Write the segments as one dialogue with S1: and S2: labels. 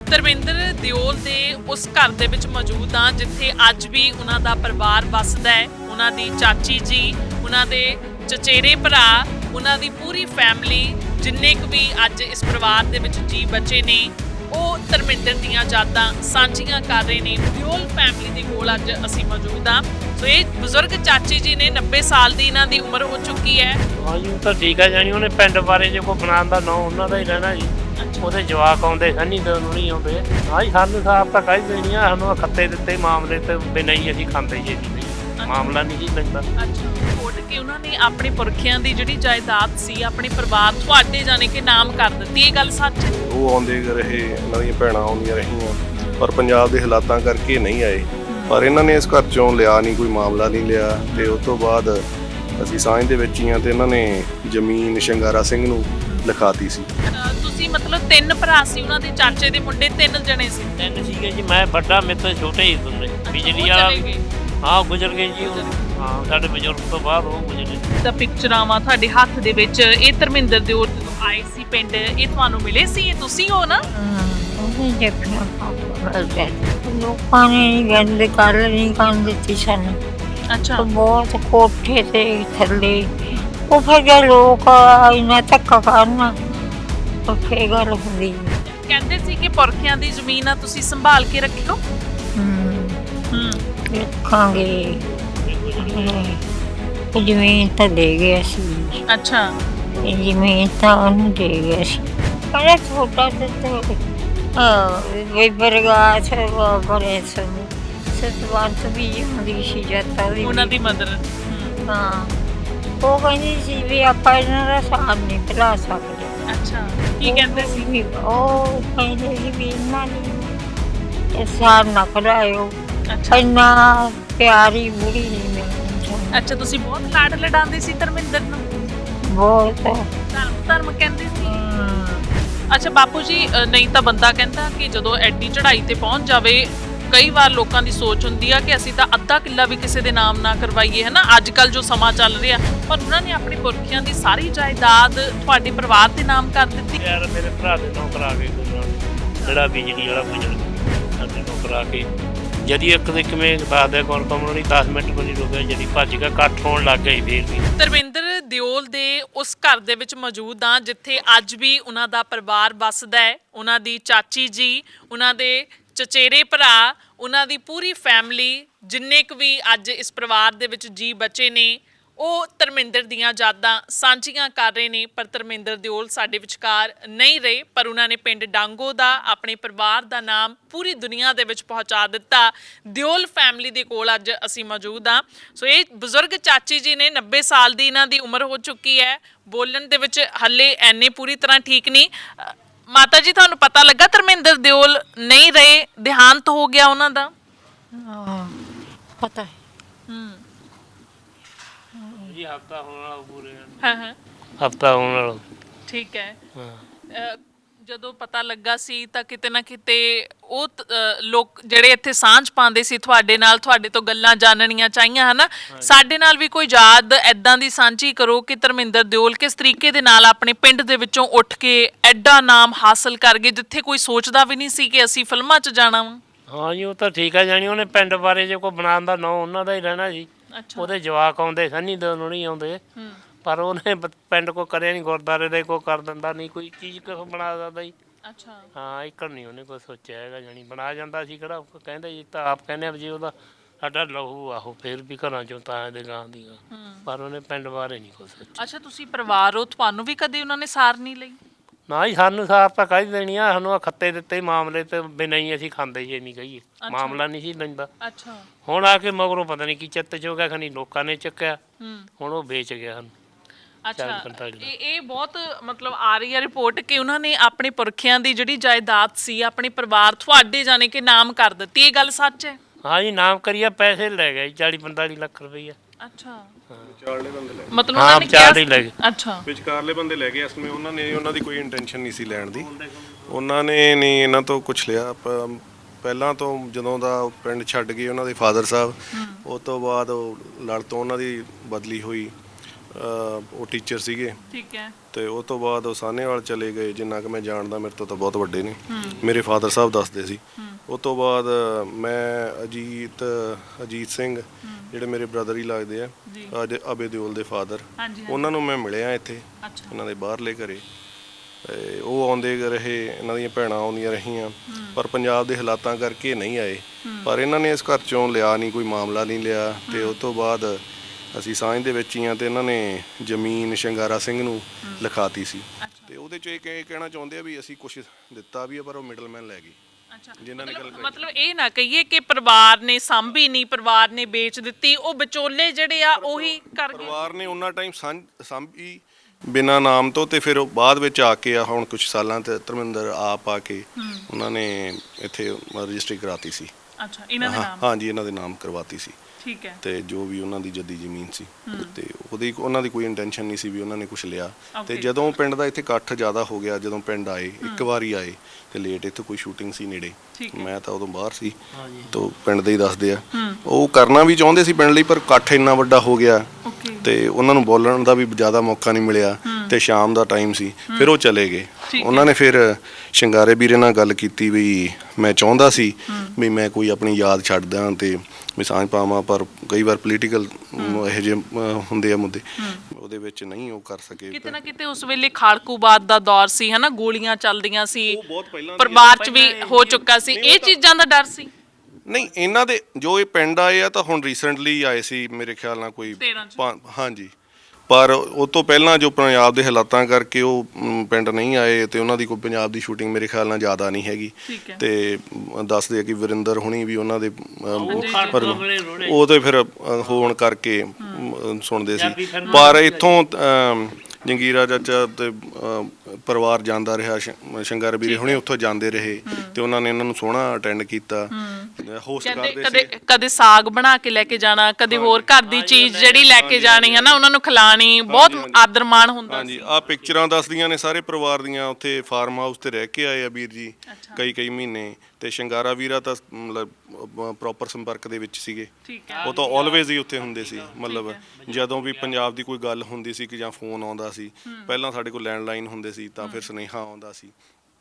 S1: ਧਰਮਿੰਦਰ ਦਿਓਲ ਦੇ ਉਸ ਘਰ ਦੇ ਵਿੱਚ ਮੌਜੂਦ ਹਾਂ ਜਿੱਥੇ ਅੱਜ ਵੀ ਉਹਨਾਂ ਦਾ ਪਰਿਵਾਰ ਵੱਸਦਾ ਹੈ। ਉਹਨਾਂ ਦੀ ਚਾਚੀ ਜੀ, ਉਹਨਾਂ ਦੇ ਚਚੇਰੇ ਭਰਾ, ਉਹਨਾਂ ਦੀ ਪੂਰੀ ਫੈਮਿਲੀ, ਜਿੰਨੇ ਕੁ ਵੀ ਅੱਜ ਇਸ ਪਰਿਵਾਰ ਦੇ ਵਿੱਚ ਜੀ ਬਚੇ ਨੇ, ਉਹ ਧਰਮਿੰਦਰ ਦੀਆਂ ਯਾਦਾਂ ਸਾਂਝੀਆਂ ਕਰ ਰਹੇ ਨੇ। ਦਿਓਲ ਫੈਮਿਲੀ ਦੇ ਕੋਲ ਅੱਜ ਅਸੀਂ ਮੌਜੂਦ ਹਾਂ। ਸੋ ਇਹ ਬਜ਼ੁਰਗ ਚਾਚੀ ਜੀ ਨੇ, 90 ਸਾਲ ਦੀ ਇਹਨਾਂ ਦੀ ਉਮਰ ਹੋ ਚੁੱਕੀ ਹੈ।
S2: ਹਾਂਜੀ ਤਾਂ ਠੀਕ ਹੈ ਜਾਨੀ ਉਹਨੇ ਪਿੰਡ ਬਾਰੇ ਜੇ ਕੋਈ ਬਣਾਉਣ ਦਾ ਨਾਂ ਉਹਨਾਂ ਦਾ ਹੀ ਰਹਿਣਾ ਜੀ। ਉਹਦੇ ਜਵਾਕ ਆਉਂਦੇ ਸਨੀ ਤਾਂ ਨਹੀਂ ਆਉਂਦੇ। ਹਾਂਜੀ ਸਾਨੂੰ ਸਾਫ ਤਾਂ ਕਹਿ ਦੇਣੀ ਆ, ਸਾਨੂੰ ਖੱਤੇ ਦਿੱਤੇ ਮਾਮਲੇ ਤੇ ਬਿਨਾਂ ਹੀ ਅਸੀਂ ਖਾਂਦੇ ਜੀ ਮਾਮਲਾ ਨਹੀਂ ਜੀ ਲੈਂਦਾ।
S1: ਅੱਛਾ, ਛੋੜ ਕੇ ਉਹਨਾਂ ਨੇ ਆਪਣੇ ਪੁਰਖਿਆਂ ਦੀ ਜਿਹੜੀ ਜਾਇਦਾਦ ਸੀ ਆਪਣੇ ਪਰਿਵਾਰ ਤੁਹਾਡੇ ਜਾਣੇ ਕਿ ਨਾਮ ਕਰ ਦਿੱਤੀ, ਇਹ ਗੱਲ ਸੱਚ ਹੈ?
S3: ਉਹ ਆਉਂਦੇ ਰਹੇ, ਇਹਨਾਂ ਦੀਆਂ ਭੈਣਾਂ ਆਉਂਦੀਆਂ ਰਹੀਆਂ, ਪਰ ਪੰਜਾਬ ਦੇ ਹਾਲਾਤਾਂ ਕਰਕੇ ਨਹੀਂ ਆਏ। ਪਰ ਇਹਨਾਂ ਨੇ ਇਸ ਘਰ ਚੋਂ ਲਿਆ ਨਹੀਂ, ਕੋਈ ਮਾਮਲਾ ਨਹੀਂ ਲਿਆ। ਤੇ ਉਸ ਤੋਂ ਬਾਅਦ ਅਸੀਂ ਸਾਂਝ ਦੇ ਵਿੱਚ ਹੀ ਆ ਤੇ ਇਹਨਾਂ ਨੇ ਜ਼ਮੀਨ ਸ਼ੰਗਾਰਾ ਸਿੰਘ ਨੂੰ ਲਿਖਾਤੀ ਸੀ।
S1: ਤੁਸੀਂ ਮਤਲਬ 3 ਭਰਾ ਸੀ, ਉਹਨਾਂ ਦੇ ਚਾਚੇ ਦੇ ਮੁੰਡੇ 3 ਜਣੇ ਸੀ?
S2: 3 ਸੀਗੇ ਜੀ, ਮੈਂ ਵੱਡਾ, ਮੇਰੇ ਤੋਂ ਛੋਟੇ ਹੀ ਹੁੰਦੇ। ਬਿਜਲੀ ਵਾਲਾ ਹਾਂ ਗੁਜ਼ਰ ਗਏ ਜੀ। ਹਾਂ ਸਾਡੇ ਬਜ਼ੁਰਗ ਤੋਂ ਬਾਅਦ ਉਹ ਗੁਜ਼ਰੇ।
S1: ਤਾਂ ਪਿਕਚਰਾਂ ਤੁਹਾਡੇ ਹੱਥ ਦੇ ਵਿੱਚ, ਇਹ ਧਰਮਿੰਦਰ ਦਿਓਲ ਆਏ ਸੀ ਪਿੰਡ, ਇਹ ਤੁਹਾਨੂੰ ਮਿਲੇ ਸੀ? ਇਹ ਤੁਸੀਂ ਹੋ ਨਾ?
S4: ਲੋਕਾਂ ਨੇ ਗੱਲ ਕਰ ਨਹੀਂ ਕਰਨ ਦਿੱਤੀ ਸਾਨੂੰ।
S1: ਅੱਛਾ,
S4: ਬਹੁਤ ਕੋਠੇ ਤੇ ਥੱਲੇ ਉਹ ਫਿਰ ਜੇ ਲੋਕ ਇੰਨਾ ਧੱਕਾ ਕਰਨਾ ਤਾਂ ਫੇਰ ਗੱਲ ਹੁੰਦੀ।
S1: ਕਹਿੰਦੇ ਸੀ ਕਿ ਪੁਰਖਿਆਂ ਦੀ ਜ਼ਮੀਨ ਆ, ਤੁਸੀਂ ਸੰਭਾਲ ਕੇ ਰੱਖਿਓ।
S4: ਰੱਖਾਂਗੇ, ਜ਼ਮੀਨ ਤਾਂ ਦੇ ਗਿਆ ਸੀ।
S1: ਅੱਛਾ,
S4: ਜ਼ਮੀਨ ਤਾਂ ਉਹਨੂੰ ਦੇ ਗਿਆ ਸੀ। ਪਰ ਛੋਟਾ ਤੇ ਬਰਗਾਛ ਬਰੇ ਸਤਵੰਤ ਵੀ ਹੁੰਦੀ ਸੀ ਜੱਤਾ ਦੀ
S1: ਉਹਨਾਂ ਦੀ ਮਦਰ।
S4: ਹਾਂ, ਉਹ ਕਹਿੰਦੀ ਸੀ ਵੀ ਆਪਾਂ ਇਹਨਾਂ ਦਾ ਸਾਥ ਨਹੀਂ ਭੁਲਾ ਸਕਦੇ।
S1: ਅੱਛਾ, ਕੀ ਕਹਿੰਦੇ ਸੀ?
S4: ਉਹ ਕਹਿੰਦੇ ਸੀ ਵੀ ਇਹਨਾਂ ਨੇ ਸਾਥ ਨਾ ਭੁਲਾਇਓ।
S1: ਅੱਛਾ,
S4: ਇੰਨਾ ਪਿਆਰੀ ਬੁੜੀ ਨਹੀਂ ਮਿਲਣੀ।
S1: ਅੱਛਾ, ਤੁਸੀਂ ਬਹੁਤ ਲਾਡ ਲਡਾਉਂਦੇ ਸੀ ਧਰਮਿੰਦਰ ਨੂੰ?
S4: ਬਹੁਤ
S1: ਧਰਮ ਕਹਿੰਦੇ ਸੀ। ਅੱਛਾ ਬਾਪੂ ਜੀ, ਨਹੀਂ ਤਾਂ ਬੰਦਾ ਕਹਿੰਦਾ ਕਿ ਜਦੋਂ ਐਡੀ ਚੜ੍ਹਾਈ ਤੇ ਪਹੁੰਚ ਜਾਵੇ, ਕਈ ਵਾਰ ਲੋਕਾਂ ਦੀ ਸੋਚ ਹੁੰਦੀ ਆ ਕਿ ਅਸੀਂ ਤਾਂ ਅੱਧਾ ਕਿੱਲਾ ਵੀ ਕਿਸੇ ਦੇ ਨਾਮ ਨਾ ਕਰਵਾਈਏ, ਹੈ ਨਾ, ਅੱਜ ਕੱਲ੍ਹ ਜੋ ਸਮਾਂ ਚੱਲ ਰਿਹਾ। ਪਰ ਉਹਨਾਂ ਨੇ ਆਪਣੀ ਪੁਰਖਿਆਂ ਦੀ ਸਾਰੀ ਜਾਇਦਾਦ ਤੁਹਾਡੇ ਪਰਿਵਾਰ ਦੇ ਨਾਮ ਕਰ ਦਿੱਤੀ।
S2: ਯਾਰ ਮੇਰੇ ਭਰਾ ਦੇ ਨਾਂ ਕਰਾ ਕੇ ਜਿਹੜਾ ਬਿਜਲੀ ਵਾਲਾ ਗੁਜ਼ਰ ਸਾਡੇ ਨਾਂ ਕਰਾ ਕੇ ਜਦੀ ਇੱਕ ਦੇ ਕਿਵੇਂ ਦੱਸਦੇ ਕੌਣ ਨਹੀਂ 10 ਮਿੰਟ ਕੋਈ ਨਹੀਂ ਰੁਕਿਆ, ਜਿਹੜੀ ਭੱਜ ਗਿਆ, ਇਕੱਠ ਹੋਣ ਲੱਗ ਗਿਆ ਫੇਰ ਵੀ।
S1: ਧਰਮਿੰਦਰ ਦਿਓਲ ਦੇ ਉਸ ਘਰ ਦੇ ਵਿੱਚ ਮੌਜੂਦ ਹਾਂ ਜਿੱਥੇ ਅੱਜ ਵੀ ਉਹਨਾਂ ਦਾ ਪਰਿਵਾਰ ਵੱਸਦਾ ਹੈ। ਉਹਨਾਂ ਦੀ ਚਾਚੀ ਜੀ, ਉਹਨਾਂ ਦੇ ਚਚੇਰੇ ਭਰਾ, ਉਹਨਾਂ ਦੀ ਪੂਰੀ ਫੈਮਿਲੀ, ਜਿੰਨੇ ਕੁ ਵੀ ਅੱਜ ਇਸ ਪਰਿਵਾਰ ਦੇ ਵਿੱਚ ਜੀ ਬਚੇ ਨੇ, ਉਹ ਧਰਮਿੰਦਰ ਦੀਆਂ ਯਾਦਾਂ ਸਾਂਝੀਆਂ ਕਰ ਰਹੇ ਨੇ। ਪਰ ਧਰਮਿੰਦਰ ਦਿਓਲ ਸਾਡੇ ਵਿਚਕਾਰ ਨਹੀਂ ਰਹੇ, ਪਰ ਉਹਨਾਂ ਨੇ ਪਿੰਡ ਡਾਂਗੋ ਦਾ, ਆਪਣੇ ਪਰਿਵਾਰ ਦਾ ਨਾਮ ਪੂਰੀ ਦੁਨੀਆ ਦੇ ਵਿੱਚ ਪਹੁੰਚਾ ਦਿੱਤਾ। ਦਿਓਲ ਫੈਮਿਲੀ ਦੇ ਕੋਲ ਅੱਜ ਅਸੀਂ ਮੌਜੂਦ ਹਾਂ। ਸੋ ਇਹ ਬਜ਼ੁਰਗ ਚਾਚੀ ਜੀ ਨੇ, 90 ਸਾਲ ਦੀ ਇਹਨਾਂ ਦੀ ਉਮਰ ਹੋ ਚੁੱਕੀ ਹੈ। ਬੋਲਣ ਦੇ ਵਿੱਚ ਹੱਲੇ ਐਨੇ ਪੂਰੀ ਤਰ੍ਹਾਂ ਠੀਕ ਨਹੀਂ। ਮਾਤਾ ਜੀ, ਤੁਹਾਨੂੰ ਪਤਾ ਲੱਗਾ ਧਰਮਿੰਦਰ ਦਿਓਲ ਨਹੀਂ ਰਹੇ, ਦੇਹਾਂਤ ਹੋ ਗਿਆ ਉਹਨਾਂ ਦਾ?
S4: ਪਤਾ ਹੈ।
S2: ਜੀ ਹਫਤਾ ਹੋਣ ਵਾਲਾ ਪੂਰੇ।
S1: ਹਾਂ,
S2: ਹਫਤਾ ਹੋਣ ਵਾਲਾ।
S1: ਠੀਕ ਹੈ।
S2: ਹਾਂ,
S1: ਜਦੋਂ ਪਤਾ ਲੱਗਾ ਸੀ ਤਾਂ ਕਿਤੇ ਨਾ ਕਿਤੇ ਉਹ ਲੋਕ ਜਿਹੜੇ ਇੱਥੇ ਸਾਂਝ ਪਾਉਂਦੇ ਸੀ ਤੁਹਾਡੇ ਨਾਲ, ਤੁਹਾਡੇ ਤੋਂ ਗੱਲਾਂ ਜਾਣਨੀਆਂ ਚਾਹੀਆਂ, ਹਨਾ। ਸਾਡੇ ਨਾਲ ਵੀ ਕੋਈ ਯਾਦ ਐਦਾਂ ਦੀ ਸਾਂਝੀ ਕਰੋ ਕਿ ਧਰਮਿੰਦਰ ਦਿਓਲ ਕਿਸ ਤਰੀਕੇ ਦੇ ਨਾਲ ਆਪਣੇ ਪਿੰਡ ਦੇ ਵਿੱਚੋਂ ਉੱਠ ਕੇ ਐਡਾ ਨਾਮ ਹਾਸਲ ਕਰ ਗਏ ਜਿੱਥੇ ਕੋਈ ਸੋਚਦਾ ਵੀ ਨਹੀਂ ਸੀ ਕਿ ਅਸੀਂ ਫਿਲਮਾਂ 'ਚ ਜਾਣਾ ਵਾ।
S2: ਹਾਂ ਜੀ ਉਹ ਤਾਂ ਠੀਕ ਹੈ ਜਾਨੀ ਉਹਨੇ ਪਿੰਡ ਬਾਰੇ ਜੇ ਕੋਈ ਬਣਾਉਣ ਦਾ ਨਾਂ ਉਹਨਾਂ ਦਾ ਹੀ ਰਹਿਣਾ ਜੀ। ਉਹਦੇ ਜਵਾਕ ਆਉਂਦੇ ਸਨੀ ਤਾਂ ਨਹੀਂ ਆਉਂਦੇ, ਪਰ ਉਹਨੇ ਪਿੰਡ ਕੋ ਕਰਿਆ ਨਹੀਂ, ਗੁਰਦੁਆਰੇ ਦਾ ਕੋਈ ਕਰ ਦਿੰਦਾ ਨਹੀਂ, ਕੋਈ ਚੀਜ਼ ਕਿਉਂ ਬਣਾ ਦਿੰਦਾ ਜੀ।
S1: ਅੱਛਾ,
S2: ਹਾਂ ਇੱਕ ਨਹੀਂ ਉਹਨੇ ਕੋਈ ਸੋਚਿਆ ਹੈਗਾ ਜਾਨੀ, ਬਣਾ ਜਾਂਦਾ ਸੀ ਕਿਹੜਾ ਕਹਿੰਦੇ ਜੀ, ਤਾਂ ਆਪ ਕਹਿੰਦੇ ਜੀ ਉਹਦਾ ਸਾਡਾ ਲਹੂ ਆਹੋ ਫੇਰ ਵੀ ਘਰਾਂ ਚੋਂ ਤਾਂ ਇਹਦੇ ਗਾਂ ਦੀਆਂ, ਪਰ ਉਹਨੇ ਪਿੰਡ ਬਾਰੇ ਨਹੀਂ ਕੋਈ ਸੋਚਿਆ।
S1: ਅੱਛਾ, ਤੁਸੀਂ ਪਰਿਵਾਰ ਹੋ, ਤੁਹਾਨੂੰ ਵੀ ਕਦੇ ਉਹਨਾਂ ਨੇ ਸਾਰ ਨਹੀਂ ਲਈ?
S2: ਨਾ ਜੀ ਸਾਨੂੰ ਸਾਫ ਤਾਂ ਕਹਿ ਦੇਣੀ ਆ, ਸਾਨੂੰ ਖੱਤੇ ਦਿੱਤੇ ਮਾਮਲੇ ਤੇ ਬਿਨਾਂ ਹੀ ਅਸੀਂ ਖਾਂਦੇ ਜੇ ਨਹੀਂ ਕਹੀਏ, ਮਾਮਲਾ ਨਹੀਂ ਸੀ ਲੈਂਦਾ।
S1: ਅੱਛਾ,
S2: ਹੁਣ ਆ ਕੇ ਮਗਰੋਂ ਪਤਾ ਨਹੀਂ ਕੀ ਚਿੱਤ ਚ ਹੋ ਗਿਆ, ਖਨੀ ਲੋਕਾਂ ਨੇ ਚੱਕਿਆ, ਹੁਣ ਉਹ ਵੇਚ ਗਿਆ ਸਾਨੂੰ।
S1: ਅੱਛਾ, ਇਹ ਬਹੁਤ ਮਤਲਬ ਆ ਰਹੀ ਹੈ ਰਿਪੋਰਟ ਕਿ ਉਹਨਾਂ ਨੇ ਆਪਣੇ ਪੁਰਖਿਆਂ ਦੀ ਜਿਹੜੀ ਜਾਇਦਾਦ ਸੀ ਆਪਣੇ ਪਰਿਵਾਰ ਤੁਹਾਡੇ ਜਾਣੇ ਕਿ ਨਾਮ ਕਰ ਦਿੱਤੀ, ਇਹ ਗੱਲ ਸੱਚ ਹੈ?
S2: ਹਾਂ ਜੀ ਨਾਮ ਕਰੀਆ, ਪੈਸੇ ਲੈ ਗਏ 40-45 ਲੱਖ ਰੁਪਈਆ।
S1: ਅੱਛਾ,
S3: ਵਿਚਾਰਲੇ ਬੰਦੇ ਲੈ
S1: ਮਤਲਬ ਉਹਨਾਂ ਨੇ
S2: ਚਾਰ ਹੀ ਲੈ ਗਏ।
S1: ਅੱਛਾ,
S3: ਵਿਚਾਰਲੇ ਬੰਦੇ ਲੈ ਗਏ। ਇਸ ਸਮੇਂ ਉਹਨਾਂ ਦੀ ਕੋਈ ਇੰਟੈਂਸ਼ਨ ਨਹੀਂ ਸੀ ਲੈਣ ਦੀ, ਉਹਨਾਂ ਨੇ ਨਹੀਂ ਇਹਨਾਂ ਤੋਂ ਕੁਛ ਲਿਆ। ਪਹਿਲਾਂ ਤੋਂ ਜਦੋਂ ਦਾ ਪਿੰਡ ਛੱਡ ਗਏ ਉਹਨਾਂ ਦੇ ਫਾਦਰ ਸਾਹਿਬ, ਉਸ ਤੋਂ ਬਾਅਦ ਲੜ ਤੋਂ ਉਹਨਾਂ ਦੀ ਬਦਲੀ ਹੋਈ। ਉਹ ਟੀਚਰ ਸੀਗੇ
S1: ਠੀਕ ਹੈ।
S3: ਤੇ ਉਹ ਤੋਂ ਬਾਅਦ ਉਹ ਸਾਹਨੇਵਾਲ ਚਲੇ ਗਏ। ਜਿੰਨਾ ਕਿ ਮੈਂ ਜਾਣਦਾ, ਮੇਰੇ ਤੋਂ ਤਾਂ ਬਹੁਤ ਵੱਡੇ ਨੇ, ਮੇਰੇ ਫਾਦਰ ਸਾਹਿਬ ਦੱਸਦੇ ਸੀ। ਉਹ ਤੋਂ ਬਾਅਦ ਮੈਂ ਅਜੀਤ ਸਿੰਘ ਜਿਹੜੇ ਮੇਰੇ ਬ੍ਰਦਰ ਹੀ ਲੱਗਦੇ ਆ, ਅੱਜ ਅਬੇ ਦਿਓਲ ਦੇ ਫਾਦਰ, ਉਹਨਾਂ ਨੂੰ ਮੈਂ ਮਿਲਿਆ ਇੱਥੇ ਇਹਨਾਂ ਦੇ ਬਾਹਰਲੇ ਘਰੇ। ਉਹ ਆਉਂਦੇ ਰਹੇ, ਇਹਨਾਂ ਦੀਆਂ ਭੈਣਾਂ ਆਉਂਦੀਆਂ ਰਹੀਆਂ, ਪਰ ਪੰਜਾਬ ਦੇ ਹਾਲਾਤਾਂ ਕਰਕੇ ਨਹੀਂ ਆਏ। ਪਰ ਇਹਨਾਂ ਨੇ ਇਸ ਘਰ ਚੋਂ ਲਿਆ ਨਹੀਂ, ਕੋਈ ਮਾਮਲਾ ਨਹੀਂ ਲਿਆ। ਤੇ ਉਸ ਤੋਂ ਬਾਅਦ ਅਸੀਂ ਸਾਂਝ ਦੇ ਵਿੱਚ ਹੀ ਆ, ਤੇ ਇਹਨਾਂ ਨੇ ਜ਼ਮੀਨ ਸ਼ਿੰਗਾਰਾ ਸਿੰਘ ਨੂੰ ਲਿਖਾਤੀ ਸੀ। ਤੇ ਉਹਦੇ 'ਚ ਇਹ ਕਹਿਣਾ ਚਾਹੁੰਦੇ ਆ ਵੀ ਅਸੀਂ ਕੁਝ ਦਿੱਤਾ ਵੀ ਆ, ਪਰ ਉਹ ਮਿਡਲਮੈਨ ਲੈ ਗਏ। ਜਿਨ੍ਹਾਂ ਨੇ ਗੱਲ
S1: ਮਤਲਬ ਇਹ ਨਾ ਕਹੀਏ ਕਿ ਪਰਿਵਾਰ ਨੇ ਸਾਂਭੀ ਨਹੀਂ, ਪਰਿਵਾਰ ਨੇ ਵੇਚ ਦਿੱਤੀ, ਉਹ ਵਿਚੋਲੇ ਜਿਹੜੇ ਆ ਉਹੀ ਕਰ ਗਏ।
S3: ਪਰਿਵਾਰ ਨੇ ਉਹਨਾਂ ਟਾਈਮ ਸਾਂਭੀ ਬਿਨਾਂ ਨਾਮ ਤੋਂ, ਤੇ ਫਿਰ ਉਹ ਬਾਅਦ ਵਿੱਚ ਆ ਕੇ ਹੁਣ ਕੁਝ ਸਾਲਾਂ ਤੇ ਧਰਮਿੰਦਰ ਆਪ ਆ ਕੇ ਉਹਨਾਂ ਨੇ ਇੱਥੇ ਰਜਿਸਟਰੀ ਕਰਾਤੀ ਸੀ।
S1: ਅੱਛਾ, ਇਹਨਾਂ ਦੇ ਨਾਮ?
S3: ਹਾਂਜੀ, ਇਹਨਾਂ ਦੇ ਨਾਮ ਕਰਵਾਤੀ ਸੀ।
S1: ਠੀਕ ਹੈ।
S3: ਤੇ ਜੋ ਵੀ ਉਹਨਾਂ ਦੀ ਜੱਦੀ ਜ਼ਮੀਨ ਸੀ, ਤੇ ਉਹਨਾਂ ਦੀ ਕੋਈ ਇੰਟੈਂਸ਼ਨ ਨਹੀਂ ਸੀ ਵੀ ਉਹਨਾਂ ਨੇ ਕੁਝ ਲਿਆ। ਤੇ ਜਦੋਂ ਪਿੰਡ ਦਾ ਇੱਥੇ ਇਕੱਠ ਜ਼ਿਆਦਾ ਹੋ ਗਿਆ, ਜਦੋਂ ਪਿੰਡ ਆਏ, ਇੱਕ ਵਾਰੀ ਆਏ ਤੇ ਲੇਟ, ਇੱਥੇ ਕੋਈ ਸ਼ੂਟਿੰਗ ਸੀ ਨੇੜੇ, ਮੈਂ ਤਾਂ ਉਦੋਂ ਬਾਹਰ ਸੀ, ਤਾਂ ਪਿੰਡ ਦੇ ਹੀ ਦੱਸਦੇ ਆ। ਉਹ ਕਰਨਾ ਵੀ ਚਾਹੁੰਦੇ ਸੀ ਪਿੰਡ ਲਈ, ਪਰ ਇਕੱਠ ਇੰਨਾ ਵੱਡਾ ਹੋ ਗਿਆ ਤੇ ਉਹਨਾਂ ਨੂੰ ਬੋਲਣ ਦਾ ਵੀ ਜ਼ਿਆਦਾ ਮੌਕਾ ਨਹੀਂ ਮਿਲਿਆ। ਤੇ ਸ਼ਾਮ ਦਾ ਟਾਈਮ ਸੀ, ਫਿਰ ਉਹ ਚਲੇ ਗਏ। ਉਹਨਾਂ ਨੇ ਫਿਰ ਸ਼ਿੰਗਾਰੇ ਵੀਰੇ ਨਾਲ ਗੱਲ ਕੀਤੀ ਵੀ ਮੈਂ ਚਾਹੁੰਦਾ ਸੀ ਵੀ ਮੈਂ ਕੋਈ ਆਪਣੀ ਯਾਦ ਛੱਡ ਦਾਂ ਤੇ ਵੀ ਸਾਂਝ ਪਾਵਾਂ, ਪਰ ਕਈ ਵਾਰ ਪੋਲੀਟੀਕਲ ਇਹੋ ਜਿਹੇ ਹੁੰਦੇ ਆ ਮੁੱਦੇ, ਉਹਦੇ ਵਿੱਚ ਨਹੀਂ ਉਹ ਕਰ ਸਕੇ।
S1: ਕਿਤੇ ਨਾ ਕਿਤੇ ਉਸ ਵੇਲੇ ਖਾੜਕੂਬਾਦ ਦਾ ਦੌਰ ਸੀ, ਹਨਾ, ਗੋਲੀਆਂ ਚੱਲਦੀਆਂ ਸੀ,
S3: ਬਹੁਤ ਪਹਿਲਾਂ
S1: ਪਰਿਵਾਰ 'ਚ ਵੀ ਹੋ ਚੁੱਕਾ ਸੀ। ਇਹ ਚੀਜ਼ਾਂ ਦਾ ਡਰ ਸੀ?
S3: ਨਹੀਂ, ਇਹਨਾਂ ਦੇ ਜੋ ਇਹ ਪਿੰਡ ਆਏ ਆ ਤਾਂ ਹੁਣ ਰੀਸੈਂਟਲੀ ਆਏ ਸੀ ਮੇਰੇ ਖਿਆਲ ਨਾਲ, ਕੋਈ ਹਾਂਜੀ, ਪਰ ਉਹ ਤੋਂ ਪਹਿਲਾਂ ਜੋ ਪੰਜਾਬ ਦੇ ਹਾਲਾਤਾਂ ਕਰਕੇ ਉਹ ਪਿੰਡ ਨਹੀਂ ਆਏ, ਤੇ ਉਹਨਾਂ ਦੀ ਕੋਈ ਪੰਜਾਬ ਦੀ ਸ਼ੂਟਿੰਗ ਮੇਰੇ ਖਿਆਲ ਨਾਲ ਜ਼ਿਆਦਾ ਨਹੀਂ ਹੈਗੀ। ਤੇ ਦੱਸਦੇ ਆ ਕਿ ਵਰਿੰਦਰ ਹੁਣੀ ਵੀ ਉਹਨਾਂ ਦੇ ਉਹ ਤੇ ਫਿਰ ਹੋਣ ਕਰਕੇ ਸੁਣਦੇ ਸੀ। ਪਰ ਇੱਥੋਂ ਜੰਗੀਰਾ ਚਾਚਾ ਤੇ ਪਰਿਵਾਰ ਜਾਂਦਾ ਰਿਹਾ, ਸ਼ੰਗਰ ਵੀਰੇ ਹੁਣੇ ਉੱਥੋਂ ਜਾਂਦੇ ਰਹੇ, ਤੇ ਉਹਨਾਂ ਨੇ ਇਹਨਾਂ ਨੂੰ ਸੋਹਣਾ ਅਟੈਂਡ ਕੀਤਾ, ਹੋਸਟ ਕਰਦੇ ਸੀ।
S1: ਕਦੇ ਸਾਗ ਬਣਾ ਕੇ ਲੈ ਕੇ ਜਾਣਾ, ਕਦੇ ਹੋਰ ਘਰ ਦੀ ਚੀਜ਼ ਜਿਹੜੀ ਲੈ ਕੇ ਜਾਣੀ, ਹਨਾ, ਉਹਨਾਂ ਨੂੰ ਖਿਲਾਣੀ, ਬਹੁਤ ਆਦਰ ਮਾਣ ਹੁੰਦਾ ਸੀ।
S3: ਹਾਂਜੀ, ਆਹ ਪਿਕਚਰਾਂ ਦੱਸਦੀਆਂ ਨੇ ਸਾਰੇ ਪਰਿਵਾਰ ਦੀਆਂ। ਉੱਥੇ ਫਾਰਮ ਹਾਊਸ ਤੇ ਰਹਿ ਕੇ ਆਏ ਆ ਵੀਰ ਜੀ ਕਈ ਮਹੀਨੇ, ਤੇ ਸ਼ਿੰਗਾਰਾ ਵੀਰਾ ਤਾਂ ਮਤਲਬ ਪ੍ਰੋਪਰ ਸੰਪਰਕ ਦੇ ਵਿੱਚ ਸੀਗੇ। ਉਹ ਤਾਂ ਆਲਵੇਜ਼ ਹੀ ਉੱਥੇ ਹੁੰਦੇ ਸੀ, ਮਤਲਬ ਜਦੋਂ ਵੀ ਪੰਜਾਬ ਦੀ ਕੋਈ ਗੱਲ ਹੁੰਦੀ ਸੀ ਕਿ ਜਾਂ ਫੋਨ ਆਉਂਦਾ ਸੀ, ਪਹਿਲਾਂ ਸਾਡੇ ਕੋਲ ਲੈਂਡਲਾਈਨ ਹੁੰਦੇ ਸੀ, ਤਾਂ ਫਿਰ ਸੁਨੇਹਾ ਆਉਂਦਾ ਸੀ,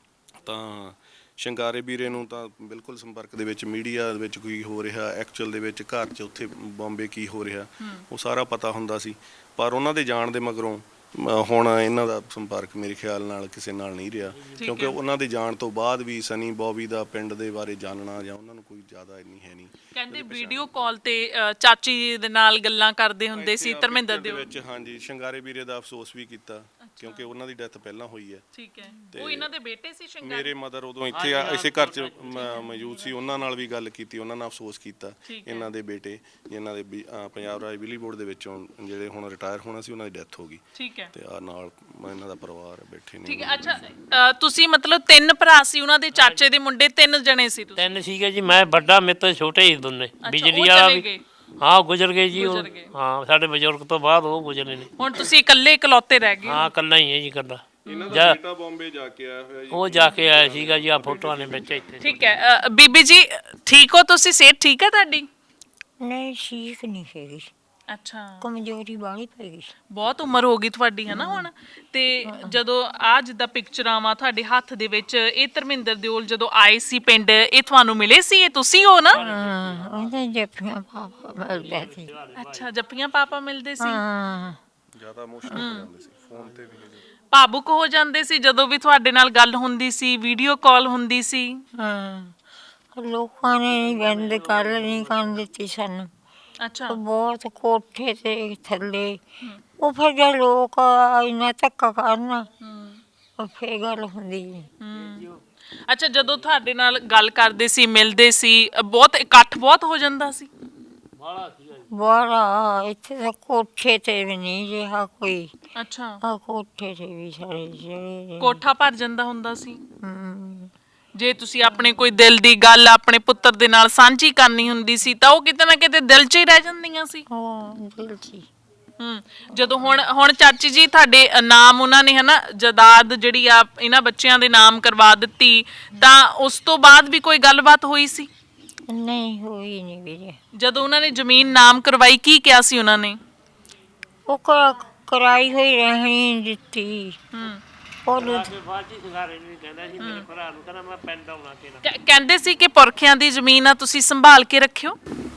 S3: ਤਾਂ ਸ਼ਿੰਗਾਰੇ ਵੀਰੇ ਨੂੰ ਤਾਂ ਬਿਲਕੁਲ ਸੰਪਰਕ ਦੇ ਵਿੱਚ, ਮੀਡੀਆ ਦੇ ਵਿੱਚ ਕੀ ਹੋ ਰਿਹਾ ਐਕਚੁਅਲ ਦੇ ਵਿੱਚ, ਘਰ 'ਚ ਉੱਥੇ ਬੰਬੇ ਕੀ ਹੋ ਰਿਹਾ, ਉਹ ਸਾਰਾ ਪਤਾ ਹੁੰਦਾ ਸੀ। ਪਰ ਉਹਨਾਂ ਦੇ ਜਾਣ ਦੇ ਮਗਰੋਂ ਹੁਣ ਇਹਨਾਂ ਦਾ ਸੰਪਰਕ ਮੇਰੇ ਖਿਆਲ ਨਾਲ ਕਿਸੇ ਨਾਲ ਨਹੀਂ ਰਿਹਾ, ਕਿਉਂਕਿ ਉਹਨਾਂ ਦੇ ਜਾਣ ਤੋਂ ਬਾਅਦ ਵੀ ਸਨੀ ਬੌਬੀ ਦਾ ਪਿੰਡ ਦੇ ਬਾਰੇ ਜਾਣਨਾ ਜਾਂ ਉਹਨਾਂ ਨੂੰ ਕੋਈ ਜ਼ਿਆਦਾ ਇੰਨੀ ਹੈ ਨਹੀਂ।
S1: ਕਹਿੰਦੇ ਵੀਡੀਓ ਕਾਲ ਤੇ ਚਾਚੀ ਦੇ ਨਾਲ ਗੱਲਾਂ ਕਰਦੇ ਹੁੰਦੇ ਸੀ ਧਰਮਿੰਦਰ ਦੇ
S3: ਵਿੱਚ। ਹਾਂਜੀ, ਸ਼ਿੰਗਾਰੇ ਵੀਰੇ ਦਾ ਅਫਸੋਸ ਵੀ ਕੀਤਾ, ਕਿਉਂਕਿ ਉਹਨਾਂ ਦੀ ਡੈਥ ਪਹਿਲਾਂ ਹੋਈ ਹੈ।
S1: ਠੀਕ ਹੈ, ਉਹ ਇਹਨਾਂ ਦੇ ਬੇਟੇ ਸੀ ਸ਼ਿੰਗਾਰੇ?
S3: ਮੇਰੇ ਮਦਰ ਉਦੋਂ ਇੱਥੇ ਇਸੇ ਘਰ 'ਚ ਮੌਜੂਦ ਸੀ, ਉਹਨਾਂ ਨਾਲ ਵੀ ਗੱਲ ਕੀਤੀ, ਉਹਨਾਂ ਨਾਲ ਅਫਸੋਸ ਕੀਤਾ। ਇਹਨਾਂ ਦੇ ਬੇਟੇ ਜਿਨ੍ਹਾਂ ਦੇ ਪੰਜਾਬ ਰਾਜ ਬਿਜਲੀ ਬੋਰਡ ਦੇ ਵਿੱਚੋਂ ਜਿਹੜੇ ਹੁਣ ਰਿਟਾਇਰ ਹੋਣਾ ਸੀ, ਉਹਨਾਂ ਦੀ ਡੈਥ ਹੋ ਗਈ। ਤੇ ਆ ਨਾਲ ਇਹਨਾਂ ਦਾ ਪਰਿਵਾਰ ਬੈਠੇ ਨੇ।
S1: ਠੀਕ ਹੈ। ਅੱਛਾ, ਤੁਸੀਂ ਮਤਲਬ 3 ਭਰਾ ਸੀ, ਉਹਨਾਂ ਦੇ ਚਾਚੇ ਦੇ ਮੁੰਡੇ 3 ਜਣੇ ਸੀ ਤੁਸੀਂ?
S2: 3 ਸੀਗੇ ਜੀ, ਮੈਂ ਵੱਡਾ, ਮੇਰੇ ਤੋਂ ਛੋਟੇ ਹੀ ਦੋਨੇ। ਬਿਜਲੀ ਵਾਲਾ ਵੀ ਹਾਂ ਗੁਜ਼ਰ ਗਏ ਜੀ, ਹਾਂ ਸਾਡੇ ਬਜ਼ੁਰਗ ਤੋਂ ਬਾਅਦ ਉਹ ਗੁਜ਼ਰੇ ਨੇ।
S1: ਹੁਣ ਤੁਸੀਂ ਇਕੱਲੇ ਇਕਲੌਤੇ ਰਹਿ ਗਏ?
S2: ਹਾਂ, ਇਕੱਲਾ ਹੀ ਹੈ ਜੀ, ਇਕੱਲਾ।
S3: ਇਹਨਾਂ ਦਾ ਬੇਟਾ ਬੰਬੇ ਜਾ ਕੇ ਆਇਆ ਹੋਇਆ ਜੀ,
S2: ਉਹ ਜਾ ਕੇ ਆਇਆ ਸੀਗਾ ਜੀ, ਆ ਫੋਟੋਆਂ ਨੇ ਵਿੱਚ ਇੱਥੇ।
S1: ਠੀਕ ਹੈ। ਬੀਬੀ ਜੀ ਠੀਕ ਹੋ ਤੁਸੀਂ? ਸਿਹਤ ਠੀਕ ਹੈ ਤੁਹਾਡੀ?
S4: ਨਹੀਂ, ਠੀਕ ਨਹੀਂ ਹੈਗੀ।
S1: ਅੱਛਾ,
S4: ਕਮਜ਼ੋਰੀ ਬਾਹਲੀ ਪੈ ਗਈ।
S1: ਬਹੁਤ ਉਮਰ ਹੋ ਗਈ ਤੁਹਾਡੀ, ਹਨਾ ਹੁਣ? ਤੇ ਜਦੋਂ ਆ ਜਿੱਦਾਂ ਪਿਕਚਰਾਂ ਵਾ ਤੁਹਾਡੇ ਹੱਥ ਦੇ ਵਿੱਚ, ਇਹ ਧਰਮਿੰਦਰ ਦਿਓਲ ਜਦੋਂ ਆਏ ਸੀ ਪਿੰਡ, ਇਹ ਤੁਹਾਨੂੰ ਮਿਲੇ ਸੀ? ਇਹ ਤੁਸੀਂ ਹੋ ਨਾ?
S4: ਉਹਦੇ ਜੱਫੀਆਂ ਪਾਪਾ ਮਿਲਦੇ ਸੀ।
S1: ਅੱਛਾ, ਜੱਫੀਆਂ ਪਾਪਾ ਮਿਲਦੇ ਸੀ।
S3: ਜ਼ਿਆਦਾ ਇਮੋਸ਼ਨਲ ਹੋ ਜਾਂਦੇ ਸੀ, ਫੋਨ ਤੇ ਵੀ
S1: ਭਾਵੁਕ ਹੋ ਜਾਂਦੇ ਸੀ ਜਦੋਂ ਵੀ ਤੁਹਾਡੇ ਨਾਲ ਗੱਲ ਹੁੰਦੀ ਸੀ, ਵੀਡੀਓ ਕਾਲ ਹੁੰਦੀ ਸੀ?
S4: ਲੋਕਾਂ ਨੇ ਬੰਦ ਕਰ ਨਹੀਂ ਕਰਨ ਦਿੱਤੀ ਸਾਨੂੰ।
S1: ਅੱਛਾ,
S4: ਬਹੁਤ ਕੋਠੇ ਤੇ ਥੱਲੇ, ਉਹ ਫਿਰ ਜੇ ਲੋਕ ਇੰਨਾ ਧੱਕਾ ਕਰਨ, ਫਿਰ ਗੱਲ ਹੁੰਦੀ।
S1: ਅੱਛਾ, ਜਦੋਂ ਤੁਹਾਡੇ ਨਾਲ ਗੱਲ ਕਰਦੇ ਸੀ, ਮਿਲਦੇ ਸੀ, ਬਹੁਤ ਇਕੱਠ ਬਹੁਤ ਹੋ ਜਾਂਦਾ ਸੀ?
S4: ਬੜਾ, ਇੱਥੇ ਤਾਂ ਕੋਠੇ ਤੇ ਵੀ ਨਹੀਂ ਰਿਹਾ ਕੋਈ।
S1: ਅੱਛਾ,
S4: ਕੋਠੇ ਤੇ ਵੀ ਸਾਰੇ ਜਿਹੜੇ
S1: ਕੋਠਾ ਭਰ ਜਾਂਦਾ ਹੁੰਦਾ ਸੀ? ਜੇ ਤੁਸੀਂ ਆਪਣੇ ਕੋਈ ਦਿਲ ਦੀ ਗੱਲ ਆਪਣੇ ਪੁੱਤਰ ਦੇ ਨਾਲ ਸਾਂਝੀ ਕਰਨੀ ਹੁੰਦੀ ਸੀ, ਤਾਂ ਉਹ ਕਿਤੇ ਨਾ ਕਿਤੇ ਦਿਲ 'ਚ ਹੀ ਰਹਿ ਜਾਂਦੀਆਂ ਸੀ?
S4: ਦਿਲ 'ਚ ਹੀ।
S1: ਜਦੋਂ ਹੁਣ ਚਾਚੀ ਜੀ ਤੁਹਾਡੇ ਨਾਮ ਉਹਨਾਂ ਨੇ, ਹਨਾ, ਜਾਇਦਾਦ ਜਿਹੜੀ ਆ ਇਹਨਾਂ ਬੱਚਿਆਂ ਦੇ ਨਾਮ ਕਰਵਾ ਦਿੱਤੀ, ਤਾਂ ਉਸ ਤੋਂ ਬਾਅਦ ਵੀ ਕੋਈ ਗੱਲਬਾਤ ਹੋਈ ਸੀ?
S4: ਨਹੀਂ, ਹੋਈ ਨਹੀਂ ਵੀਰੇ।
S1: ਜਦੋਂ ਉਹਨਾਂ ਨੇ ਜ਼ਮੀਨ ਨਾਮ ਕਰਵਾਈ, ਕੀ ਕਿਹਾ ਸੀ ਉਹਨਾਂ ਨੇ?
S4: ਉਹ ਕਰਾਈ ਹੋਈ ਰਹਿਣੀ ਦਿੱਤੀ ਉਹਨੂੰ
S2: ਬਾਅਦ ਚ ਸੰਗਾਰੇ ਨੂੰ ਕਹਿੰਦਾ ਸੀ ਮੇਰੇ ਭਰਾ ਨੂੰ, ਕਹਿੰਦਾ ਮੈਂ ਪਿੰਡ ਆਉਣਾ ਤੇਰਾ।
S1: ਕਹਿੰਦੇ ਸੀ ਕਿ ਪੁਰਖਿਆਂ ਦੀ ਜ਼ਮੀਨ ਆ, ਤੁਸੀਂ ਸੰਭਾਲ ਕੇ ਰੱਖਿਓ।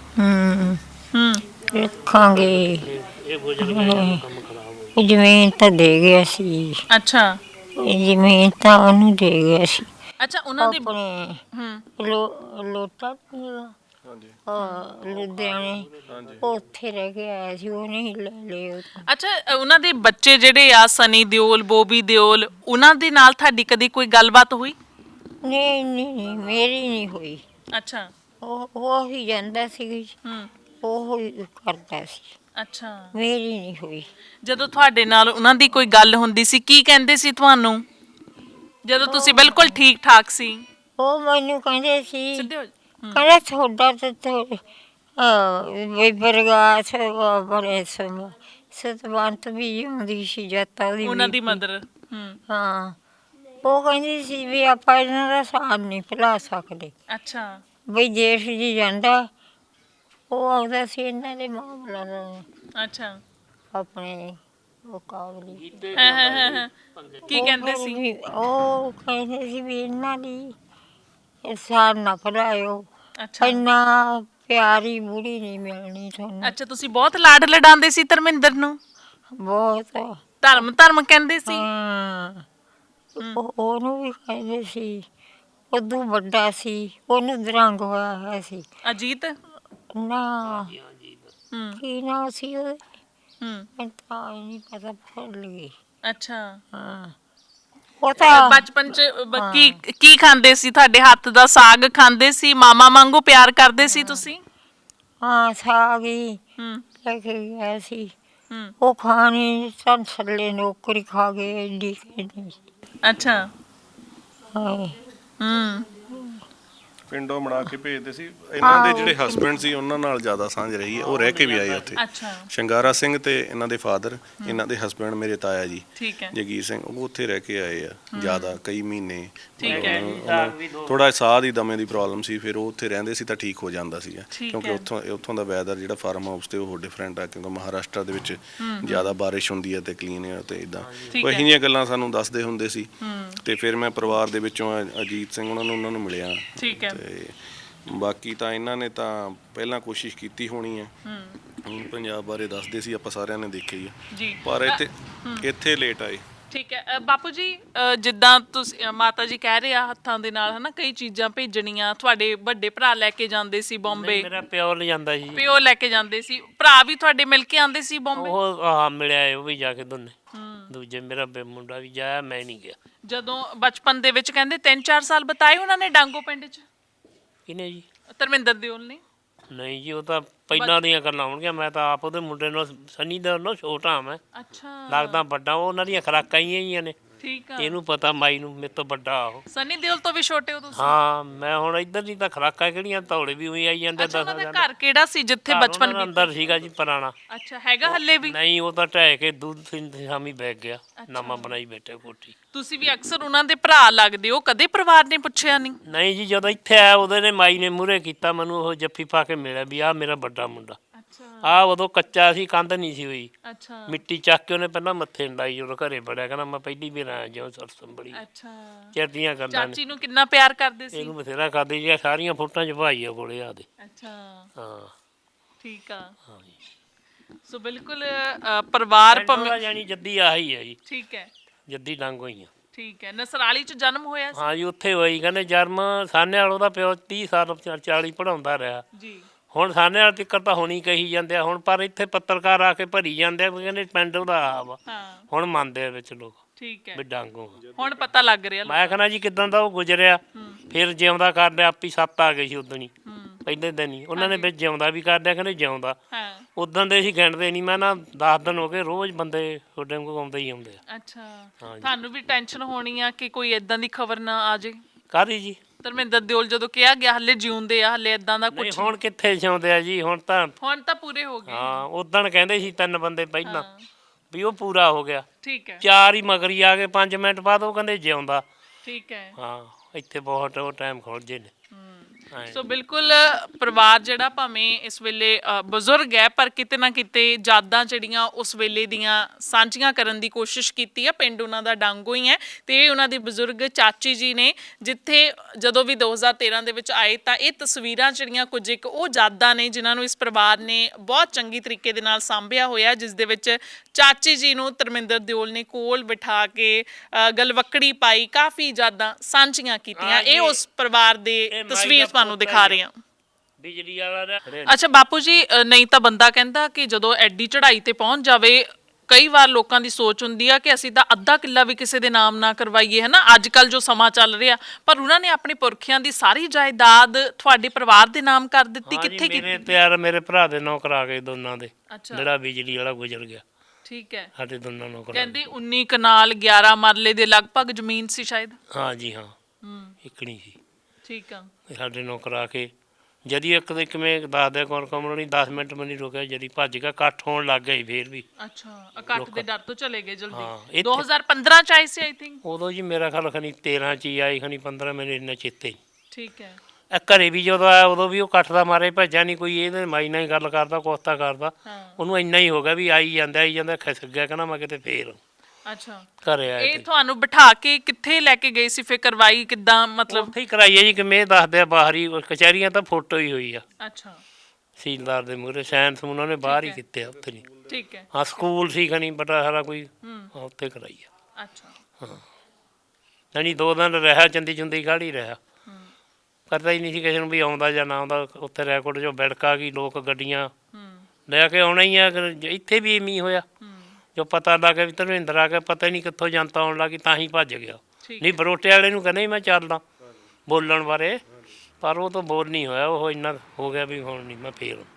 S4: ਰੱਖਾਂਗੇ।
S2: ਇਹ ਗੁਜ਼ਰ ਗਿਆ, ਕੰਮ ਖਰਾਬ ਹੋ ਗਿਆ।
S4: ਜ਼ਮੀਨ ਤਾਂ ਦੇ ਗਿਆ ਸੀ।
S1: ਅੱਛਾ
S4: ਜ਼ਮੀਨ ਤਾਂ ਉਹਨੂੰ ਦੇ ਗਿਆ ਸੀ।
S1: ਅੱਛਾ, ਉਹਨਾਂ ਦੇ
S4: ਆਪਣੇ ਲੋਟਾ ਲੁਧਿਆਣੇ ਉੱਥੇ ਰਹਿ ਕੇ ਆਇਆ ਸੀ, ਉਹ ਨਹੀਂ ਲੈ ਲਿਆ।
S1: ਅੱਛਾ, ਉਹਨਾਂ ਦੇ ਬੱਚੇ ਜਿਹੜੇ ਆ ਸਨੀ ਦਿਓਲ, ਬੋਬੀ ਦਿਓਲ, ਉਹਨਾਂ ਦੇ ਨਾਲ ਤੁਹਾਡੀ ਕਦੀ ਕੋਈ ਗੱਲਬਾਤ ਹੋਈ?
S4: ਨਹੀਂ ਨਹੀਂ, ਮੇਰੀ ਨਹੀਂ ਹੋਈ।
S1: ਅੱਛਾ,
S4: ਉਹ ਹੀ ਜਾਂਦਾ ਸੀ, ਉਹ ਹੀ ਕਰਦਾ ਸੀ।
S1: ਅੱਛਾ,
S4: ਮੇਰੀ ਨਹੀਂ ਹੋਈ।
S1: ਜਦੋਂ ਤੁਹਾਡੇ ਨਾਲ ਉਹਨਾਂ ਦੀ ਕੋਈ ਗੱਲ ਹੁੰਦੀ ਸੀ, ਕੀ ਕਹਿੰਦੇ ਸੀ ਤੁਹਾਨੂੰ ਜਦੋਂ ਤੁਸੀਂ ਬਿਲਕੁਲ ਠੀਕ ਠਾਕ ਸੀ?
S4: ਉਹ ਮੈਨੂੰ ਕਹਿੰਦੇ ਸੀ,
S1: ਸਿੱਧੇ ਹੋ
S4: ਕਹਿੰਦਾ ਤੁਹਾਡਾ ਤਾਂ ਬਰਗਾਸ ਬੜੇ ਸਤਵੰਤ ਵੀ ਹੁੰਦੀ ਸੀ ਜੱਤਾ ਉਹਦੀ
S1: ਉਹਨਾਂ ਦੀ
S4: ਬੀਬੀ।
S1: ਮਦਰ।
S4: ਹਾਂ, ਉਹ ਕਹਿੰਦੀ ਸੀ ਵੀ ਆਪਾਂ ਇਹਨਾਂ ਦਾ ਸਾਥ ਨਹੀਂ ਭੁਲਾ ਸਕਦੇ।
S1: ਅੱਛਾ,
S4: ਬਈ ਜੇਠ ਜੀ ਜਾਂਦਾ, ਉਹ ਆਉਂਦਾ ਸੀ ਇਹਨਾਂ ਦੇ ਮਾਮਲਾ ਦਾ
S1: ਅੱਛਾ,
S4: ਆਪਣੇ ਉਹ ਕਾਬਲੀ।
S1: ਕੀ ਕਹਿੰਦੇ ਸੀ?
S4: ਉਹ ਕਹਿੰਦੇ ਸੀ ਵੀ ਇਹਨਾਂ ਦੀ ਸਾਥ ਨਾ ਭੁਲਾਇਓ,
S1: ਅੱਛਾ,
S4: ਇੰਨਾ ਪਿਆਰੀ ਬੁੜੀ ਨਹੀਂ ਮਿਲਣੀ ਤੁਹਾਨੂੰ।
S1: ਅੱਛਾ, ਤੁਸੀਂ ਬਹੁਤ ਲਾਡ ਲਡਾਉਂਦੇ ਸੀ ਧਰਮਿੰਦਰ ਨੂੰ?
S4: ਬਹੁਤ।
S1: ਧਰਮ ਕਹਿੰਦੇ ਸੀ?
S4: ਹਾਂ, ਉਹਨੂੰ ਵੀ ਕਹਿੰਦੇ ਸੀ, ਉਦੋਂ ਵੱਡਾ ਸੀ, ਉਹਨੂੰ ਦਰੰਗ ਹੋਇਆ ਹੋਇਆ ਸੀ।
S1: ਅਜੀਤ?
S4: ਨਾ, ਕੀ ਨਾ ਸੀ ਉਹਦੇ? ਮੈਨੂੰ ਤਾਂ ਨਹੀਂ ਪਤਾ, ਭੁੱਲ ਗਈ।
S1: ਅੱਛਾ,
S4: ਹਾਂ, ਉਹ ਤਾਂ
S1: ਬਚਪਨ ਚ ਕੀ ਖਾਂਦੇ ਸੀ? ਤੁਹਾਡੇ ਹੱਥ ਦਾ ਸਾਗ ਖਾਂਦੇ ਸੀ? ਮਾਮਾ ਵਾਂਗੂ ਪਿਆਰ ਕਰਦੇ ਸੀ ਤੁਸੀਂ?
S4: ਹਾਂ, ਸਾਗ ਹੀ ਲੈ ਕੇ ਗਿਆ ਸੀ। ਉਹ ਖਾਣੀ ਤਾਂ ਥੱਲੇ ਨੌਕਰੀ ਖਾ ਗਏ ਏਡੀ ਕਹਿੰਦੀ।
S1: ਅੱਛਾ,
S4: ਹਾਂ,
S3: ਪਿੰਡੋਂ ਬਣਾ ਕੇ ਭੇਜਦੇ ਸੀ। ਇਹਨਾਂ ਦੇ ਜਿਹੜੇ ਹਸਬੈਂਡ ਸੀ ਉਹਨਾਂ ਨਾਲ ਜ਼ਿਆਦਾ ਸਾਂਝ ਰਹੀ ਹੈ, ਉਹ ਰਹਿ ਕੇ ਵੀ ਆਏ ਉੱਥੇ।
S1: ਅੱਛਾ,
S3: ਸ਼ਿੰਗਾਰਾ ਸਿੰਘ ਤੇ ਇਹਨਾਂ ਦੇ ਫਾਦਰ, ਇਹਨਾਂ ਦੇ ਹਸਬੈਂਡ ਮੇਰੇ ਤਾਇਆ ਜੀ
S1: ਠੀਕ ਹੈ,
S3: ਜਗੀਰ ਸਿੰਘ, ਉਹ ਉੱਥੇ ਰਹਿ ਕੇ ਆਏ ਆ ਜ਼ਿਆਦਾ, ਕਈ ਮਹੀਨੇ।
S1: ਠੀਕ ਹੈ,
S3: ਥੋੜਾ ਸਾਹ ਦੀ ਦਮੇ ਦੀ ਪ੍ਰੋਬਲਮ ਸੀ, ਫਿਰ ਉਹ ਉੱਥੇ ਰਹਿੰਦੇ ਸੀ ਤਾਂ ਠੀਕ ਹੋ ਜਾਂਦਾ ਸੀਗਾ,
S1: ਠੀਕ
S3: ਕਿਉਂਕਿ
S1: ਹੈ।
S3: ਉੱਥੋਂ ਦਾ ਵੈਦਰ ਜਿਹੜਾ ਫਾਰਮ ਹਾਊਸ ਤੇ ਉਹ ਡਿਫਰੈਂਟ ਆ, ਕਿਉਂਕਿ ਮਹਾਰਾਸ਼ਟਰ ਦੇ ਵਿੱਚ ਜ਼ਿਆਦਾ ਬਾਰਿਸ਼ ਹੁੰਦੀ ਹੈ ਤੇ ਕਲੀਨ ਹੈ ਤੇ ਇਦਾਂ
S1: ਠੀਕ
S3: ਉਹ
S1: ਹੈ।
S3: ਇਹੋ ਜਿਹੀਆਂ ਗੱਲਾਂ ਸਾਨੂੰ ਦੱਸਦੇ ਹੁੰਦੇ ਸੀ। ਤੇ ਫਿਰ ਮੈਂ ਪਰਿਵਾਰ ਦੇ ਵਿੱਚੋਂ ਅਜੀਤ ਸਿੰਘ ਉਹਨਾਂ ਨੂੰ ਮਿਲਿਆ।
S1: ਠੀਕ ਹੈ,
S3: ਤੇ ਬਾਕੀ ਤਾਂ ਇਹਨਾਂ ਨੇ ਤਾਂ ਪਹਿਲਾਂ ਕੋਸ਼ਿਸ਼ ਕੀਤੀ ਹੋਣੀ ਹੈ। ਪੰਜਾਬ ਬਾਰੇ ਦੱਸਦੇ ਸੀ, ਆਪਾਂ ਸਾਰਿਆਂ ਨੇ ਦੇਖਿਆ ਹੀ ਆ,
S1: ਜੀ।
S3: ਪਰ ਇੱਥੇ ਲੇਟ ਆਏ।
S1: ਠੀਕ ਹੈ ਬਾਪੂ ਜੀ, ਜਿੱਦਾਂ ਤੁਸੀਂ ਮਾਤਾ ਜੀ ਕਹਿ ਰਹੇ ਆ ਹੱਥਾਂ ਦੇ ਨਾਲ ਹਨਾ ਕਈ ਚੀਜ਼ਾਂ ਭੇਜਣੀਆਂ, ਤੁਹਾਡੇ ਵੱਡੇ ਭਰਾ ਲੈ ਕੇ ਜਾਂਦੇ ਸੀ ਬੰਬੇ?
S2: ਮੇਰਾ ਪਿਓ ਲੈ ਜਾਂਦਾ ਜੀ।
S1: ਪਿਓ ਲੈ ਕੇ ਜਾਂਦੇ ਸੀ? ਭਰਾ ਵੀ ਤੁਹਾਡੇ ਮਿਲ ਕੇ ਆਉਂਦੇ ਸੀ ਬੰਬੇ?
S2: ਉਹ ਮਿਲਿਆ, ਉਹ ਵੀ ਜਾ ਕੇ ਦੋਨੇ। ਦੂਜੇ ਮੇਰਾ ਮੁੰਡਾ ਵੀ ਜਾਇਆ, ਮੈਂ ਨਹੀਂ ਗਿਆ।
S1: ਜਦੋਂ ਬਚਪਨ ਦੇ ਵਿੱਚ ਕਹਿੰਦੇ 3-4 ਸਾਲ ਬਤਾਏ ਉਹਨਾਂ ਨੇ ਡਾਂਗੋ ਪਿੰਡ 'ਚ?
S2: ਕਿਹਨੇ ਜੀ?
S1: ਧਰਮਿੰਦਰ ਦਿਓਲ ਨੇ?
S2: ਨਹੀਂ ਜੀ, ਉਹ ਤਾਂ ਪਹਿਲਾਂ ਦੀਆਂ ਗੱਲਾਂ ਹੋਣਗੀਆਂ। ਮੈਂ ਤਾਂ ਆਪ ਉਹਦੇ ਮੁੰਡੇ ਨੂੰ, ਸਨੀ ਦਾ ਉਹਨੂੰ ਛੋਟਾ ਮੈਂ,
S1: ਅੱਛਾ,
S2: ਲੱਗਦਾ ਵੱਡਾ। ਉਹ ਉਹਨਾਂ ਦੀਆਂ ਖੁਰਾਕਾਂ ਹੀ ਨੇ,
S1: ਠੀਕ ਆ।
S2: ਇਹਨੂੰ ਪਤਾ, ਮਾਈ ਨੂੰ, ਮੇਰੇ ਤੋਂ ਵੱਡਾ ਉਹ।
S1: ਸਨੀ ਦਿਓਲ ਤੋਂ ਵੀ ਛੋਟੇ ਹੋ ਤੁਸੀਂ?
S2: ਹਾਂ, ਮੈਂ ਹੁਣ ਇੱਧਰ ਦੀ ਤਾਂ ਖੁਰਾਕਾਂ ਕਿਹੜੀਆਂ, ਧੌਲੇ ਵੀ ਉਹੀ ਆਈ ਜਾਂਦੇ।
S1: ਅੱਛਾ, ਉਹਨਾਂ ਦਾ ਘਰ ਕਿਹੜਾ ਸੀ ਜਿੱਥੇ ਬਚਪਨ
S2: ਦਾ ਅੰਦਰ ਸੀਗਾ ਜੀ ਪੁਰਾਣਾ।
S1: ਅੱਛਾ, ਹੈਗਾ ਹੱਲੇ ਵੀ?
S2: ਨਹੀਂ, ਉਹ ਤਾਂ ਢਹਿ ਕੇ ਦੁੱਧ ਸ਼ਾਮੀ ਬੈਗ ਗਿਆ, ਨਵਾਂ ਬਣਾਈ ਬੈਠੇ ਕੋਠੀ।
S1: ਤੁਸੀਂ ਵੀ ਅਕਸਰ ਉਹਨਾਂ ਦੇ ਭਰਾ ਲੱਗਦੇ ਹੋ, ਕਦੇ ਪਰਿਵਾਰ ਨੇ ਪੁੱਛਿਆ ਨਹੀਂ?
S2: ਨਹੀਂ ਜੀ, ਜਦੋਂ ਇੱਥੇ ਆਇਆ ਉਹਦੇ ਨੇ ਮਾਈ ਨੇ ਮੂਹਰੇ ਕੀਤਾ ਮੈਨੂੰ, ਉਹ ਜੱਫੀ ਪਾ ਕੇ ਮਿਲਿਆ ਵੀ ਆਹ ਮੇਰਾ ਵੱਡਾ ਮੁੰਡਾ।
S1: ਅੱਛਾ,
S2: ਆਹ ਉਦੋਂ ਕੱਚਾ ਸੀ, ਕੰਧ ਨਹੀਂ ਸੀ ਹੋਈ।
S1: ਅੱਛਾ,
S2: ਮਿੱਟੀ ਚੱਕ ਕੇ ਉਹਨੇ ਪਹਿਲਾਂ ਮੱਥੇ ਲਾਈ, ਜਦੋਂ ਘਰੇ ਬੜਿਆ, ਕਹਿੰਦਾ ਮੈਂ ਪਹਿਲੀ ਵਾਰ ਆਇਆ ਜਿਉਂ ਸਰਸਮ ਬੜੀ।
S1: ਅੱਛਾ,
S2: ਚਿਰਦੀਆਂ ਗੱਲਾਂ ਨੇ।
S1: ਚਾਚੀ ਨੂੰ ਕਿੰਨਾ ਪਿਆਰ ਕਰਦੇ ਸੀ?
S2: ਇਹਨੂੰ ਬਥੇਰਾ ਕਰਦੇ ਜੀ, ਸਾਰੀਆਂ ਫੋਟੋਆਂ ਚ ਭਾਈ ਆ ਕੋਲੇ ਆਦੇ।
S1: ਅੱਛਾ,
S2: ਹਾਂ,
S1: ਠੀਕ ਆ।
S2: ਹਾਂ ਜੀ।
S1: ਸੋ ਬਿਲਕੁਲ ਪਰਿਵਾਰ
S2: ਭਾਵੇਂ ਜਾਨੀ ਜੱਦੀ ਆਹੀ ਹੈ ਜੀ,
S1: ਠੀਕ ਹੈ,
S2: ਜੱਦੀ ਡੰਗ ਹੋਈਆਂ।
S1: ਠੀਕ ਹੈ। ਨਸਰਾਲੀ ਚ ਜਨਮ ਹੋਇਆ ਸੀ?
S2: ਹਾਂ ਜੀ, ਉੱਥੇ ਹੋਈ। ਕਹਿੰਦੇ ਜਨਮ ਸਾਨੇ ਵਾਲ ਉਹਦਾ ਪਿਓ 30 ਸਾਲ 40 ਪੜਾਉਂਦਾ ਰਿਹਾ।
S1: ਜੀ।
S2: ਹੁਣ ਸਾਨੇ ਵਾਲ ਤਿੱਕਰ ਤਾਂ ਹੋਣੀ ਕਹੀ ਜਾਂਦੇ ਆ ਹੁਣ, ਪਰ ਇੱਥੇ ਪੱਤਰਕਾਰ ਆ ਕੇ ਭਰੀ ਜਾਂਦੇ ਆ, ਕਹਿੰਦੇ ਪਿੰਡ ਉਹਦਾ ਆ ਵਾ।
S1: ਹਾਂ,
S2: ਹੁਣ ਮੰਨਦੇ ਆ ਵਿੱਚ ਲੋਕ
S1: ਠੀਕ ਹੈ,
S2: ਵੀ ਡਾਂਗੋ।
S1: ਹੁਣ ਪਤਾ ਲੱਗ ਰਿਹਾ।
S2: ਮੈਂ ਕਹਿੰਦਾ ਜੀ ਕਿਦਾਂ ਦਾ ਉਹ ਗੁਜ਼ਰਿਆ, ਫਿਰ ਜਿਉਂਦਾ ਕਰ ਲਿਆ। ਆਪੀ 7 ਆ ਗਏ ਸੀ ਉਦਣ ਹੀ, ਪਹਿਲੇ ਦਿਨ ਹੀ ਉਹਨਾਂ ਨੇ ਵਿੱਚ ਜਿਉਂਦਾ ਵੀ ਕਰ ਲਿਆ, ਕਹਿੰਦੇ ਜਿਉਂਦਾ।
S1: ਹਾਂ,
S2: ਉਦੋਂ ਦੇ ਅਸੀਂ ਗਿਣਦੇ ਨਹੀਂ। ਮੈਂ ਨਾ 10 ਦਿਨ ਹੋ ਗਏ, ਰੋਜ਼ ਬੰਦੇ ਤੁਹਾਡੇ ਕੋਲ ਆਉਂਦੇ ਹੀ ਆਉਂਦੇ ਆ।
S1: ਅੱਛਾ, ਤੁਹਾਨੂੰ ਵੀ ਟੈਨਸ਼ਨ ਹੋਣੀ ਆ ਕਿ ਕੋਈ ਇਦਾਂ ਦੀ ਖਬਰ ਨਾ ਆ ਜੇ?
S2: ਕਾਹਦੀ ਜੀ?
S1: ਧਰਮਿੰਦਰ ਦਿਓਲ ਜਦੋਂ ਕਿਹਾ ਗਿਆ ਹੱਲੇ ਜਿਉਂਦੇ ਆ, ਹੱਲੇ ਇਦਾਂ ਦਾ ਕੁਝ?
S2: ਨਹੀਂ, ਹੁਣ ਕਿੱਥੇ ਜਿਉਂਦੇ ਆ ਜੀ, ਹੁਣ ਤਾਂ
S1: ਪੂਰੇ ਹੋ ਗਏ?
S2: ਹਾਂ, ਉਦੋਂ ਕਹਿੰਦੇ ਸੀ 3 ਬੰਦੇ ਪਹਿਲਾਂ ਵੀ ਉਹ ਪੂਰਾ ਹੋ ਗਿਆ।
S1: ਠੀਕ ਹੈ,
S2: 4 ਹੀ ਮਗਰੀ ਆ ਗਏ 5 ਮਿੰਟ ਬਾਅਦ, ਉਹ ਕਹਿੰਦੇ ਜਿਉਂਦਾ।
S1: ਠੀਕ ਹੈ।
S2: ਹਾਂ, ਇੱਥੇ ਬਹੁਤ ਉਹ ਟਾਈਮ ਖੁੱਲ ਜੇ ਨੇ।
S1: ਸੋ ਬਿਲਕੁਲ ਪਰਿਵਾਰ ਜਿਹੜਾ ਭਾਵੇਂ ਇਸ ਵੇਲੇ ਬਜ਼ੁਰਗ ਹੈ, ਪਰ ਕਿਤੇ ਨਾ ਕਿਤੇ ਯਾਦਾਂ ਜਿਹੜੀਆਂ ਉਸ ਵੇਲੇ ਦੀਆਂ ਸਾਂਝੀਆਂ ਕਰਨ ਦੀ ਕੋਸ਼ਿਸ਼ ਕੀਤੀ ਹੈ। ਪਿੰਡ ਉਹਨਾਂ ਦਾ ਡਾਂਗੋ ਹੀ ਹੈ ਤੇ ਉਹਨਾਂ ਦੀ ਬਜ਼ੁਰਗ ਚਾਚੀ ਜੀ ਨੇ, ਜਿੱਥੇ ਜਦੋਂ ਵੀ 2013 ਦੇ ਵਿੱਚ ਆਏ ਤਾਂ ਇਹ ਤਸਵੀਰਾਂ ਜਿਹੜੀਆਂ ਕੁਝ ਇੱਕ ਉਹ ਯਾਦਾਂ ਨੇ ਜਿਨ੍ਹਾਂ ਨੂੰ ਇਸ ਪਰਿਵਾਰ ਨੇ ਬਹੁਤ ਚੰਗੀ ਤਰੀਕੇ ਦੇ ਨਾਲ ਸਾਂਭਿਆ ਹੋਇਆ, ਜਿਸ ਦੇ ਵਿੱਚ ਚਾਚੀ ਜੀ ਨੂੰ ਧਰਮਿੰਦਰ ਦਿਓਲ ਨੇ ਕੋਲ ਬਿਠਾ ਕੇ ਗਲਵੱਕੜੀ ਪਾਈ, ਕਾਫੀ ਯਾਦਾਂ ਸਾਂਝੀਆਂ ਕੀਤੀਆਂ। ਇਹ ਉਸ ਪਰਿਵਾਰ ਦੇ ਤਸਵੀਰ ਤੁਹਾਨੂੰ ਦਿਖਾ ਰਹੇ ਹਾਂ।
S2: ਬਿਜਲੀ ਵਾਲਾ
S1: ਅੱਛਾ ਬਾਪੂ ਜੀ, ਨਹੀਂ ਤਾਂ ਬੰਦਾ ਕਹਿੰਦਾ ਕਿ ਜਦੋਂ ਐਡੀ ਚੜ੍ਹਾਈ ਤੇ ਪਹੁੰਚ ਜਾਵੇ, ਕਈ ਵਾਰ ਲੋਕਾਂ ਦੀ ਸੋਚ ਹੁੰਦੀ ਆ ਕਿ ਅਸੀਂ ਤਾਂ ਅੱਧਾ ਕਿੱਲਾ ਵੀ ਕਿਸੇ ਦੇ ਨਾਮ ਨਾ ਕਰਵਾਈਏ, ਹੈ ਨਾ, ਅੱਜ ਕੱਲ ਜੋ ਸਮਾਂ ਚੱਲ ਰਿਹਾ, ਪਰ ਉਹਨਾਂ ਨੇ ਆਪਣੇ ਪੁਰਖਿਆਂ ਦੀ ਸਾਰੀ ਜਾਇਦਾਦ ਤੁਹਾਡੇ ਪਰਿਵਾਰ ਦੇ ਨਾਮ ਕਰ ਦਿੱਤੀ। ਕਿੱਥੇ
S2: ਮੇਰੇ ਤੇ ਯਾਰ ਮੇਰੇ ਭਰਾ ਦੇ ਨਾਂ ਕਰਾ ਕੇ ਦੋਨਾਂ ਦੇ,
S1: ਅੱਛਾ,
S2: ਜਿਹੜਾ ਬਿਜਲੀ ਵਾਲਾ ਗੁਜ਼ਰ ਗਿਆ।
S1: ਠੀਕ ਹੈ,
S2: ਸਾਡੇ ਦੋਨਾਂ ਨੂੰ ਕਰਾ
S1: ਕਹਿੰਦੇ 19 ਕਨਾਲ 11 ਮਰਲੇ ਦੇ ਲਗਭਗ ਜ਼ਮੀਨ ਸੀ ਸ਼ਾਇਦ।
S2: ਹਾਂ ਜੀ ਹਾਂ, ਇਕਣੀ ਸੀ।
S1: ਠੀਕ ਆ,
S2: ਸਾਡੇ ਨੂੰ ਕਰਾ ਕੇ ਜਦੀ ਇੱਕ ਦੇ ਕਿਵੇਂ ਦੱਸਦੇ ਕੌਣ ਕਮਲ ਨਹੀਂ 10 ਮਿੰਟ ਵੀ ਨਹੀਂ ਰੁਕਿਆ, ਜਦੀ ਭੱਜ ਗਿਆ, ਇਕੱਠ ਹੋਣ ਲੱਗ ਗਿਆ ਸੀ ਫੇਰ ਵੀ।
S1: ਅੱਛਾ, ਇਕੱਠ ਦੇ ਡਰ ਤੋਂ ਚਲੇ ਗਏ
S2: ਹਾਂ,
S1: ਜਲਦੀ।
S2: ਇੱਥੇ-
S1: 2015 ਚ ਆਈ ਸੀ ਆਈ ਥਿੰਕ।
S2: ਉਦੋਂ ਜੀ ਮੇਰਾ ਖਿਆਲ ਖਣੀ 13 ਚ ਹੀ ਆਈ, ਖਣੀ 15 ਮੈਨੂੰ ਇੰਨਾ ਚੇਤੇ ਹੀ।
S1: ਠੀਕ ਹੈ,
S2: ਇਹ ਘਰੇ ਵੀ ਜਦੋਂ ਆਇਆ ਉਦੋਂ ਵੀ ਉਹ ਇਕੱਠ ਦਾ ਮਾਰੇ ਭੱਜਿਆ ਨਹੀਂ ਕੋਈ, ਇਹਦੇ ਮਾਈ ਨਾਲ ਹੀ ਗੱਲ ਕਰਦਾ, ਕੋਸਤਾ ਕਰਦਾ,
S1: ਹਾਂ,
S2: ਉਹਨੂੰ ਇੰਨਾ ਹੀ ਹੋ ਗਿਆ ਵੀ ਆਈ ਜਾਂਦਾ ਖਿਸਕ ਗਿਆ, ਕਹਿੰਦਾ ਮੈਂ ਕਿਤੇ ਫੇਰ
S1: ਅੱਛਾ।
S2: ਘਰੇ ਆਇਆ
S1: ਇਹ
S2: ਤੇ
S1: ਤੁਹਾਨੂੰ ਬਿਠਾ ਕੇ ਕਿੱਥੇ ਲੈ ਕੇ ਗਏ ਸੀ, ਫਿਰ ਕਰਵਾਈ ਕਿੱਦਾਂ, ਮਤਲਬ?
S2: ਉੱਥੇ ਹੀ ਕਰਾਈ ਹੈ ਜੀ, ਕਿਵੇਂ ਇਹ ਦੱਸਦੇ ਆ ਬਾਹਰ ਹੀ, ਕਚਹਿਰੀਆਂ ਤਾਂ ਫੋਟੋ ਹੀ ਹੋਈ ਆ
S1: ਅੱਛਾ,
S2: ਸੀਲਦਾਰ ਦੇ ਮੂਹਰੇ, ਸਾਇੰਸ ਉਹਨਾਂ ਨੇ ਬਾਹਰ ਹੀ ਕੀਤੇ ਆ, ਉੱਥੇ ਨਹੀਂ।
S1: ਠੀਕ ਹੈ,
S2: ਹਾਂ ਸਕੂਲ ਸੀ ਖਣੀ ਬੜਾ ਸਾਰਾ ਕੋਈ, ਹਾਂ ਉੱਥੇ ਕਰਾਈ ਆ।
S1: ਅੱਛਾ,
S2: ਹਾਂ ਨਹੀਂ 2 ਦਿਨ ਰਿਹਾ, ਚੰਦੀ ਚੁੰਦੀ ਗਾੜੀ ਰਿਹਾ, ਪਤਾ ਹੀ ਨਹੀਂ ਸੀ ਕਿਸੇ ਨੂੰ ਵੀ ਆਉਂਦਾ ਜਾਂ ਨਾ ਆਉਂਦਾ। ਉੱਥੇ ਰੈਕੋਰਡ ਜੋ ਬਿੜਕਾ ਗਈ, ਲੋਕ ਗੱਡੀਆਂ ਲੈ ਕੇ ਆਉਣਾ ਹੀ ਆ। ਇੱਥੇ ਵੀ ਇਵੇਂ ਹੋਇਆ, ਜੋ ਪਤਾ ਲੱਗ ਗਿਆ ਵੀ ਧਰਮਿੰਦਰ ਆ ਕੇ, ਪਤਾ ਹੀ ਨਹੀਂ ਕਿੱਥੋਂ ਜਨਤਾ ਆਉਣ ਲੱਗੀ, ਤਾਂ ਹੀ ਭੱਜ ਗਿਆ। ਨਹੀਂ ਬਰੋਟੇ ਵਾਲੇ ਨੂੰ ਕਹਿੰਦਾ ਮੈਂ ਚੱਲਦਾ ਬੋਲਣ ਬਾਰੇ, ਪਰ ਉਹ ਤਾਂ ਬੋਲ ਨਹੀਂ ਹੋਇਆ, ਉਹ ਇੰਨਾ ਹੋ ਗਿਆ ਵੀ ਹੁਣ ਨਹੀਂ ਮੈਂ ਫੇਰ